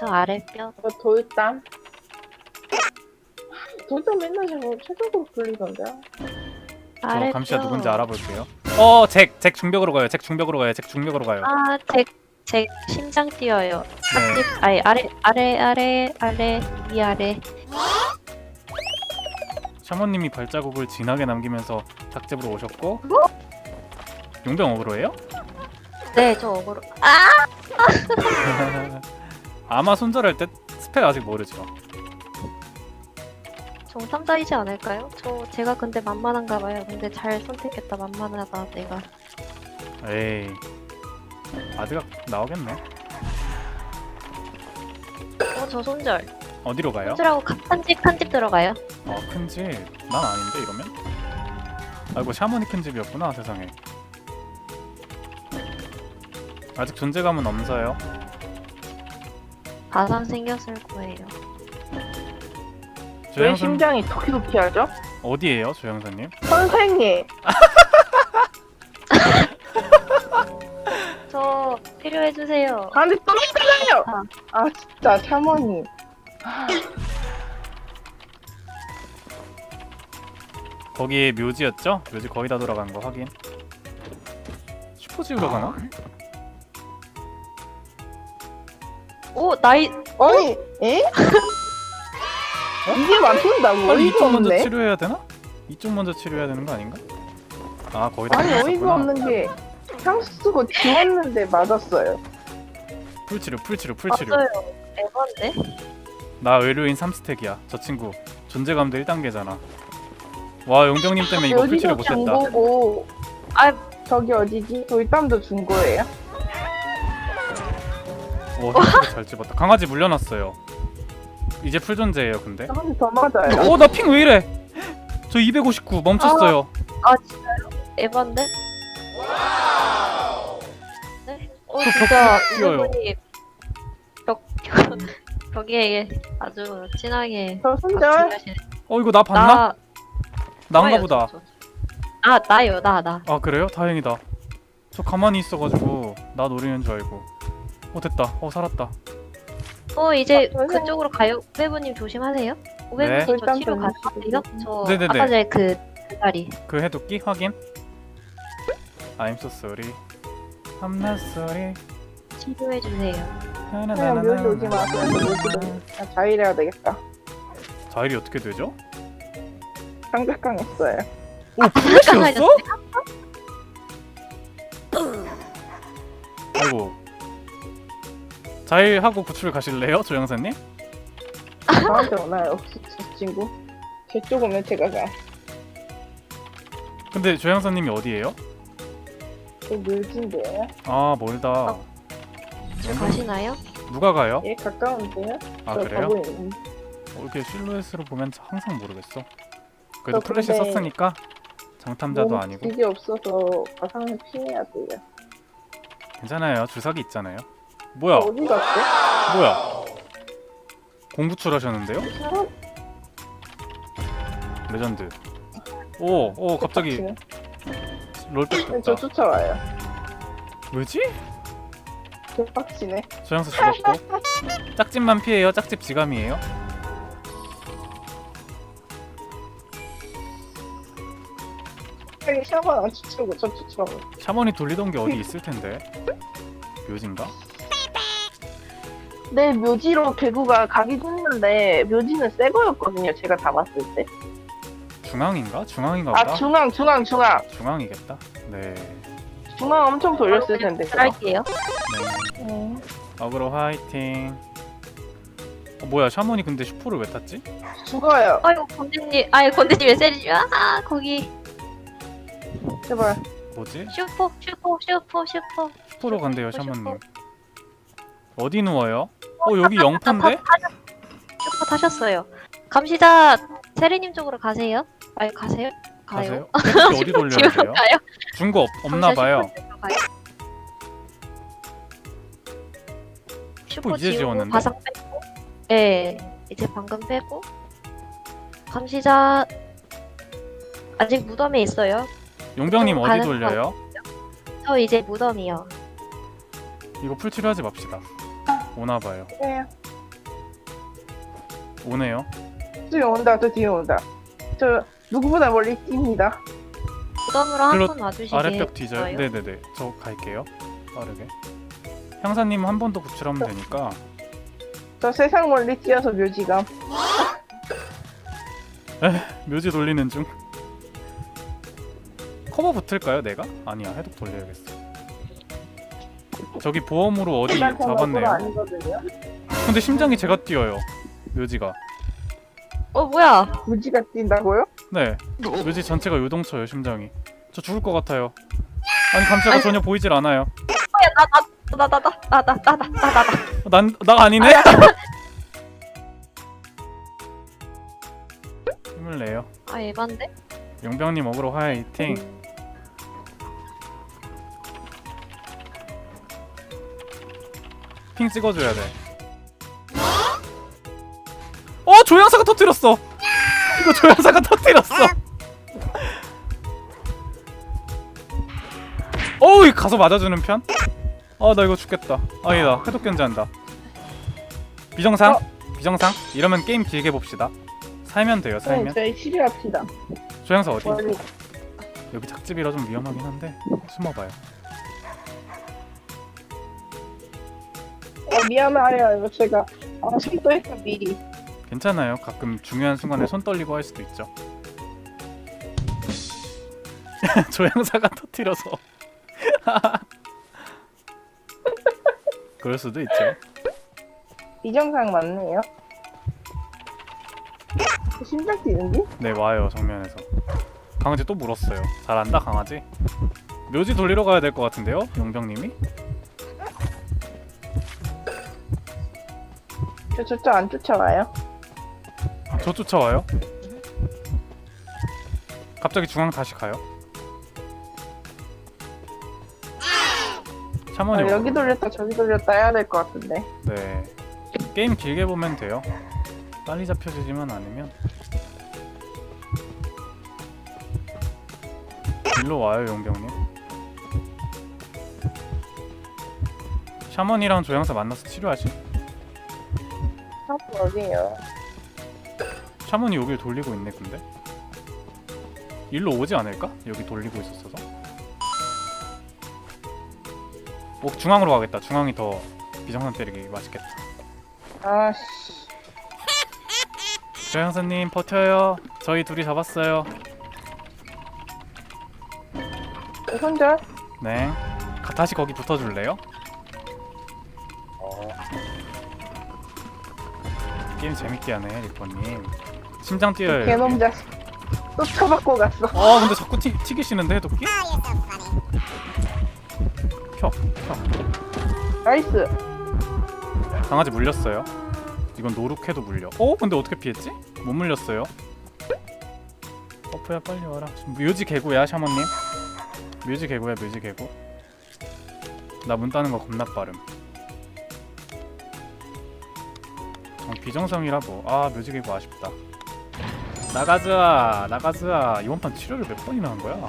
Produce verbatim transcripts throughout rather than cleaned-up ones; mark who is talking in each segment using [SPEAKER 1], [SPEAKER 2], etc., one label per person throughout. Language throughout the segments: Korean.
[SPEAKER 1] 저 아래뼈.
[SPEAKER 2] 저 돌담. 돌담 맨날 저거 최적으로 불리던데.
[SPEAKER 3] 저
[SPEAKER 1] 아래뼈.
[SPEAKER 3] 감시자 누군지 알아볼게요. 어, 잭, 잭 중벽으로 가요. 잭 중벽으로 가요. 잭 중벽으로 가요.
[SPEAKER 1] 아, 제, 제 심장 뛰어요.
[SPEAKER 3] 네.
[SPEAKER 1] 닭집, 아니, 아래, 아래, 아래, 아래, 위 아래.
[SPEAKER 3] 샤머님이 발자국을 진하게 남기면서 닭집으로 오셨고. 용병 어그로예요?
[SPEAKER 1] 네, 저 어그로. 아!
[SPEAKER 3] 아마 손절할 때 스펙 아직 모르죠.
[SPEAKER 1] 정탐자이지 않을까요? 저, 제가 근데 만만한가 봐요. 근데 잘 선택했다, 만만하다, 내가.
[SPEAKER 3] 에이, 아드가 나오겠네.
[SPEAKER 1] 어, 저 손절.
[SPEAKER 3] 어디로 가요?
[SPEAKER 1] 손절하고 한집, 한 집 들어가요.
[SPEAKER 3] 어, 큰 집. 난 아닌데 이러면? 아이고, 샤머니 큰 집이었구나. 세상에. 아직 존재감은 없어요.
[SPEAKER 1] 가상 생겼을 거예요.
[SPEAKER 2] 왜
[SPEAKER 3] 조영선
[SPEAKER 2] 심장이 도키도키 하죠?
[SPEAKER 3] 어디에요, 조영선님?
[SPEAKER 2] 선생님.
[SPEAKER 1] 저, 필요해주세요.
[SPEAKER 2] 안돼 또 있잖아요.
[SPEAKER 1] 아.
[SPEAKER 2] 아 진짜 샤머니.
[SPEAKER 3] 거기 묘지였죠? 묘지 거의 다 돌아간 거 확인. 슈퍼 지우러 가나?
[SPEAKER 1] 오, 나이,
[SPEAKER 2] 아니 에? 이게 맞춘다고?
[SPEAKER 3] 빨리
[SPEAKER 2] 어이가
[SPEAKER 3] 이쪽 먼저
[SPEAKER 2] 없네.
[SPEAKER 3] 치료해야 되나? 이쪽 먼저 치료해야 되는 거 아닌가? 아, 거의 다
[SPEAKER 2] 아니 어이가
[SPEAKER 3] 끝났었구나.
[SPEAKER 2] 없는 게 향수 쓰고 지웠는데 맞았어요.
[SPEAKER 3] 풀치료, 풀치료, 풀치료.
[SPEAKER 1] 맞아요. 에반데?
[SPEAKER 3] 나 의료인 삼 스택이야. 저 친구 존재감도 일 단계잖아. 와, 용병님 때문에 이거 풀치료
[SPEAKER 2] 여기도 준
[SPEAKER 3] 못했다.
[SPEAKER 2] 거고.
[SPEAKER 1] 아,
[SPEAKER 2] 저기 어디지? 돌담도 준 거예요?
[SPEAKER 3] 오, 풀치료 잘 집었다. 강아지 물려놨어요. 이제 풀 존재예요, 근데.
[SPEAKER 2] 한대 더 맞아요.
[SPEAKER 3] 어, 나 핑 왜 이래? 저 이백오십구 멈췄어요.
[SPEAKER 1] 아, 진짜요? 에반데? 네? 어,
[SPEAKER 3] 저
[SPEAKER 1] 진짜,
[SPEAKER 3] 벽 뛰어요.
[SPEAKER 1] 이분이 벽, 벽, 벽에 아주 진하게.
[SPEAKER 2] 저 손절.
[SPEAKER 1] 박치하시네.
[SPEAKER 3] 어, 이거 나 봤나?
[SPEAKER 1] 나,
[SPEAKER 3] 나인가
[SPEAKER 1] 좋아요,
[SPEAKER 3] 보다.
[SPEAKER 1] 저, 저. 아, 나요, 나, 나.
[SPEAKER 3] 아, 그래요? 다행이다. 저 가만히 있어가지고 나 노리는 줄 알고. 어, 됐다. 어, 살았다.
[SPEAKER 1] 어, 이제
[SPEAKER 2] 아, 선생님.
[SPEAKER 1] 그쪽으로 가요. 오배부님 조심하세요. 오배부님
[SPEAKER 3] 네.
[SPEAKER 1] 저
[SPEAKER 2] 일단
[SPEAKER 1] 치료
[SPEAKER 2] 좀
[SPEAKER 1] 가능하세요? 저
[SPEAKER 3] 네네네.
[SPEAKER 1] 아까 전에 그 다리.
[SPEAKER 3] 그 해독기 확인. I'm so sorry. I'm not sorry.
[SPEAKER 1] 치료해주세요.
[SPEAKER 2] 그냥 묘지 오지 마세요. 묘지도 아, 자일해야 되겠다.
[SPEAKER 3] 자일이 어떻게 되죠?
[SPEAKER 2] 삼각강했어요.
[SPEAKER 3] 오, 플래시였어?
[SPEAKER 1] 깜깜해졌어요?
[SPEAKER 3] 아이고. 자일하고 구출 가실래요, 조영사님?
[SPEAKER 2] 저한테 오나요? 혹시 저 친구? 제 쪽 오면 제가 가.
[SPEAKER 3] 근데 조영사님이 어디예요?
[SPEAKER 2] 저 묘지인데요?
[SPEAKER 3] 아, 멀다.
[SPEAKER 1] 저 가시나요?
[SPEAKER 3] 누가 가요?
[SPEAKER 2] 예, 가까운데요?
[SPEAKER 3] 아,
[SPEAKER 2] 저
[SPEAKER 3] 그래요?
[SPEAKER 2] 가고 있는.
[SPEAKER 3] 어, 이렇게 실루엣으로 보면 항상 모르겠어. 그래도
[SPEAKER 2] 저
[SPEAKER 3] 플래시
[SPEAKER 2] 근데
[SPEAKER 3] 썼으니까 장탐자도
[SPEAKER 2] 몸
[SPEAKER 3] 아니고
[SPEAKER 2] 질이 없어서 가상을 피해야 돼요.
[SPEAKER 3] 괜찮아요. 주사기 있잖아요. 뭐야?
[SPEAKER 2] 어디 갔대?
[SPEAKER 3] 뭐야? 공구출 하셨는데요?
[SPEAKER 2] 사람
[SPEAKER 3] 레전드. 오, 오, 갑자기
[SPEAKER 2] 빡치네.
[SPEAKER 3] 롤백
[SPEAKER 2] 네, 저
[SPEAKER 3] 됐다.
[SPEAKER 2] 쫓아와요.
[SPEAKER 3] 왜지?
[SPEAKER 2] 개빡치네.
[SPEAKER 3] 조영수 죽었고. 짝집만 피해요. 짝집 지감이에요.
[SPEAKER 2] 빨리 샤워 안 쫓아오고 저 쫓아오고.
[SPEAKER 3] 샤머니 돌리던 게 어디 있을 텐데. 묘진가?
[SPEAKER 2] 네, 묘지로 개구가 가긴 했는데 묘지는 새 거였거든요. 제가 다 봤을 때.
[SPEAKER 3] 중앙인가? 중앙인가 보다.
[SPEAKER 2] 아 중앙 중앙 중앙
[SPEAKER 3] 중앙이겠다. 네.
[SPEAKER 2] 중앙 엄청 돌렸을 텐데. 그거.
[SPEAKER 1] 할게요.
[SPEAKER 3] 네.
[SPEAKER 2] 네.
[SPEAKER 3] 어그로 화이팅. 어, 뭐야? 샤머니 근데 슈퍼를 왜 탔지?
[SPEAKER 2] 죽어요.
[SPEAKER 1] 아이고 건대님, 아이 건대님 왜 세리지? 아 거기
[SPEAKER 2] 제발.
[SPEAKER 3] 뭐지?
[SPEAKER 1] 슈퍼 슈퍼 슈퍼 슈퍼.
[SPEAKER 3] 슈퍼로 간대요,
[SPEAKER 1] 슈퍼,
[SPEAKER 3] 샤머님. 어디 누워요? 어, 여기 영퍼인데?
[SPEAKER 1] 슈퍼 타셨어요. 감시자 세리님 쪽으로 가세요. 아니 가세요? 가요.
[SPEAKER 3] 가세요? 펜치 어디 돌려야
[SPEAKER 1] 지금
[SPEAKER 3] 돼요?
[SPEAKER 1] 가요?
[SPEAKER 3] 준 거 없나 봐요.
[SPEAKER 1] 슈퍼 가요.
[SPEAKER 3] 슈퍼 이제
[SPEAKER 1] 지우고
[SPEAKER 3] 지웠는데?
[SPEAKER 1] 바상 빼고. 네, 이제 방금 빼고. 감시자 아직 무덤에 있어요.
[SPEAKER 3] 용병님
[SPEAKER 1] 좀
[SPEAKER 3] 어디
[SPEAKER 1] 가는
[SPEAKER 3] 돌려요?
[SPEAKER 1] 저 이제 무덤이요.
[SPEAKER 3] 이거 풀치료하지 맙시다. 오나 봐요.
[SPEAKER 2] 네.
[SPEAKER 3] 오네요.
[SPEAKER 2] 뒤에 온다. 저 뒤에 온다. 저 누구보다 멀리 뜁니다.
[SPEAKER 1] 무덤으로
[SPEAKER 3] 글로
[SPEAKER 1] 한 번 와주시게.
[SPEAKER 3] 아랫벽 뒤져요. 네네네. 저 갈게요. 빠르게. 향사님 한 번 더 구출하면 되니까.
[SPEAKER 2] 저 세상 멀리 뛰어서 묘지감.
[SPEAKER 3] 묘지 돌리는 중. 커버 붙을까요, 내가? 아니야, 해독 돌려야겠어. 저기 보험으로 어디
[SPEAKER 2] 일단 저는
[SPEAKER 3] 잡았네요.
[SPEAKER 2] 아니거든요.
[SPEAKER 3] 근데 심장이 제가 뛰어요. 묘지가.
[SPEAKER 1] 어 뭐야?
[SPEAKER 2] 묘지가 뛴다고요?
[SPEAKER 3] 네. 묘지 전체가 요동쳐요, 심장이. 저 죽을 것 같아요. 아니, 감자가 전혀 보이질 않아요.
[SPEAKER 1] 나 나 나 나 나 나 나 나 나 나.
[SPEAKER 3] 난, 나 아니네? 힘을 내요.
[SPEAKER 1] 아 에반데?
[SPEAKER 3] 용병님 어그로 화이팅. 핑 찍어줘야 돼. 어, 조향사가 터뜨렸어. 이거 조향사가 터뜨렸어. 어우, 가서 맞아주는 편? 아, 나 이거 죽겠다. 아니다, 해독 견제한다. 비정상? 비정상? 이러면 게임 길게 봅시다. 살면 돼요,
[SPEAKER 2] 네,
[SPEAKER 3] 살면.
[SPEAKER 2] 저희 치료합시다.
[SPEAKER 3] 조향사 어디?
[SPEAKER 2] 멀리.
[SPEAKER 3] 여기 작집이라 좀 위험하긴 한데 숨어봐요.
[SPEAKER 2] 어, 미안해요. 이거 제가 아, 손도했어 미리.
[SPEAKER 3] 괜찮아요. 가끔 중요한 순간에 손 떨리고 할 수도 있죠. 조향사가 터뜨려서 그럴 수도 있죠.
[SPEAKER 2] 비정상 맞네요. 심장 뛰는지?
[SPEAKER 3] 네, 와요. 정면에서. 강아지 또 물었어요. 잘한다 강아지. 묘지 돌리러 가야 될 것 같은데요, 용병님이?
[SPEAKER 2] 저 저쪽 안 쫓아와요.
[SPEAKER 3] 저 쫓아와요? 갑자기 중앙 다시 가요?
[SPEAKER 2] 아,
[SPEAKER 3] 샤머니
[SPEAKER 2] 여기 돌렸다 저기 돌렸다 해야 될 것 같은데.
[SPEAKER 3] 네. 게임 길게 보면 돼요. 빨리 잡혀지지만 않으면. 일로 와요, 용병님. 샤먼이랑 조향사 만나서 치료하지?
[SPEAKER 2] 샤프 어디에요?
[SPEAKER 3] 샤먼이 여길 돌리고 있네, 근데. 일로 오지 않을까? 여기 돌리고 있었어서. 오, 중앙으로 가겠다. 중앙이 더 비정상 때리기 맛있겠다.
[SPEAKER 2] 아씨.
[SPEAKER 3] 조향사님 버텨요. 저희 둘이 잡았어요.
[SPEAKER 2] 혼자?
[SPEAKER 3] 네. 가, 다시 거기 붙어줄래요? 게임 재밌게 하네, 리퍼님. 심장 뛰어요.
[SPEAKER 2] 개놈
[SPEAKER 3] 여기.
[SPEAKER 2] 자식. 또 쳐받고 갔어.
[SPEAKER 3] 아, 근데 자꾸 튀, 튀기시는데, 도끼? 켜, 켜.
[SPEAKER 2] 나이스.
[SPEAKER 3] 강아지 물렸어요. 이건 노룩해도 물려. 어? 근데 어떻게 피했지? 못 물렸어요. 버프야, 빨리 와라. 묘지 개구야, 샤먼님. 묘지 개구야, 묘지 개구. 나 문 따는 거 겁나 빠름. 어, 비정상이라 뭐. 아, 묘지 개구 아쉽다. 나가자, 나가자. 이번 판 치료를 몇 번이나 한 거야?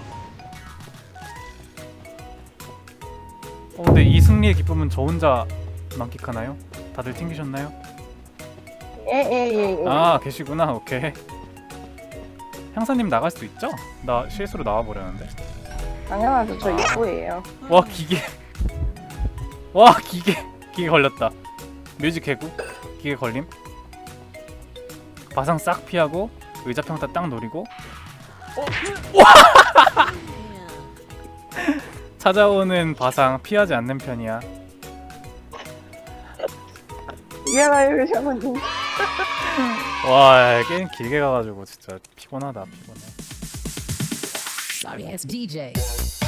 [SPEAKER 3] 어, 근데 이 승리의 기쁨은 저 혼자 만끽하나요? 다들 튕기셨나요?
[SPEAKER 2] 예예예 예.
[SPEAKER 3] 아, 계시구나. 오케이. 향사님 나갈 수 있죠? 나 실수로 나와버렸는데.
[SPEAKER 2] 당연하죠. 저 입구예요.
[SPEAKER 3] 와, 기계. 와, 기계. 기계 걸렸다. 뮤직 개구. 기계 걸림. 바상 싹 피하고 의자 평타 딱 노리고. 어? 와! 찾아오는 바상 피하지 않는 편이야.
[SPEAKER 2] 미안해요 샤머님.
[SPEAKER 3] 와, 게임 길게 가가지고 진짜 피곤하다, 피곤해.
[SPEAKER 4] Sorry ass D J.